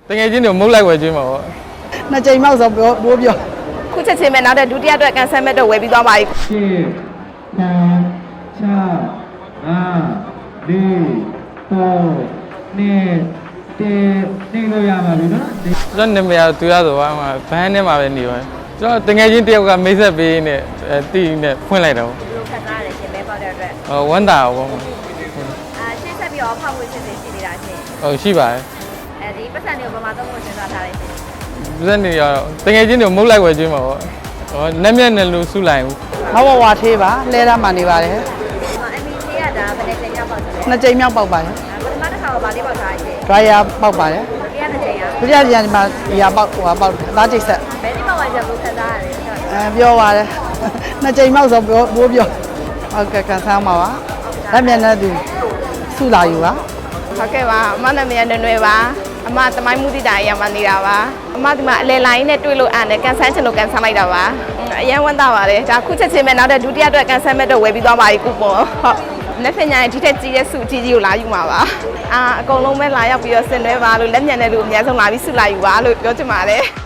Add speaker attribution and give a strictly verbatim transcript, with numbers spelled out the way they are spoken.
Speaker 1: တကယ်ချင်းတို့မုတ်လိုက်ဝယ်ကျွေးမှာပေါ့
Speaker 2: နှစ်ကြိမ်မောက်ဆိုပြောပိုးပြော
Speaker 3: ခုချက်ချင်းပဲနောက်တဲ့ဒုတိယအတွက်ကန်ဆယ်မဲ့တော့ဝယ်ပြီးသွားပါပြီ
Speaker 4: ရှစ်ဆယ်ချာအာလေးသုံးနှစ်တင်းနေလို့ရပါပြီနော်
Speaker 1: ကျွန်တော်နာမည်ကသူရဆိုပါမှာဘန်းထဲမှာပဲနေပါတယ်ကျွန်တော်တကယ်ချင်းတယောက်ကမိတ်ဆက်ပေးနေအဲတီးနဲ့ဖွင့်လိုက်တော့
Speaker 3: ဘယ်လိုခက်သားရတယ်ရှင်မဲပေါက်တဲ့အတွက်
Speaker 1: ဟောဝမ်းတာပေါ့
Speaker 3: အာရှင်းဆက်ပြီးတော့ဖောက်ဝေးစစ်စစ်ရှိနေတာရှင်
Speaker 1: ဟုတ်ရှိပါတယ်
Speaker 3: အဲဒီပတ်စံတွေကိုပမာသုံးဖို့စဉ်းစားထားတယ်ရှင်
Speaker 1: ပတ်စံတွေရောတကယ်ချင်းတို့မုတ်လိုက်ဝယ်ကျွေးမှာပေါ့ဟောလက်မျက်နဲ့လို့စုလိုက်ဘူး
Speaker 2: မဝဝသေးပါလဲရမှနေပါတယ်
Speaker 3: အမီသေးရတာဘယ်နဲ့ချိန်ရောက်ပေါက်တယ်
Speaker 2: နှစ်ကြိမ်မြောက်ပေါက်ပါတယ်
Speaker 3: ပထမတစ်ခါတော့ဗာလေးပေါက်ထားရှင်
Speaker 2: dryer ပေါက်ပါတယ်
Speaker 3: တရားတစ်ချိန်ရ
Speaker 2: ဒုတိယကြိမ်မှာဒီဟာပေါက်ဟိုဟာပေါက်အသားချိတ်ဆက်
Speaker 3: ဘယ်ဒီမှာဝယ်ချက်ကိုခက်သားရတယ်
Speaker 2: အဲပြောပါတယ်နှစ်ကြိမ်မောက်ဆိုပြောပိုးပြောဟုတ်ကဲ့ကန်ဆန်းပါပါလက်မျက်နဲ့သူစုလာယူပါ
Speaker 3: ဟုတ်ကဲ့ပါအမနာမည်နွယ်နွယ်ပါအမသမိုင်းမှုတိတာရမှာနေတာပါအမဒီမှာအလဲလိုင်းနဲ့တွေ့လို့အားနဲ့ကန်ဆန်းချင်လို့ကန်ဆန်းလိုက်တာပါအရင်ဝမ်းသာပါတယ်ဒါခုချက်ချင်းပဲနောက်တဲ့ဒုတိယအတွက်ကန်ဆန်းမဲ့တော့ဝယ်ပြီးသွားပါပြီကူပွန်ဟုတ်လက်ဖက်ညာရဲ့ဒီထက်ကြီးတဲ့စုကြီးကြီးကိုလာယူမှာပါအာအကုန်လုံးပဲလာရောက်ပြီးတော့ဆင်နွှဲပါလို့လက်ညံတဲ့လူအများဆုံးလာပြီးစုလာယူပါလို့ပြောချင်ပါတယ်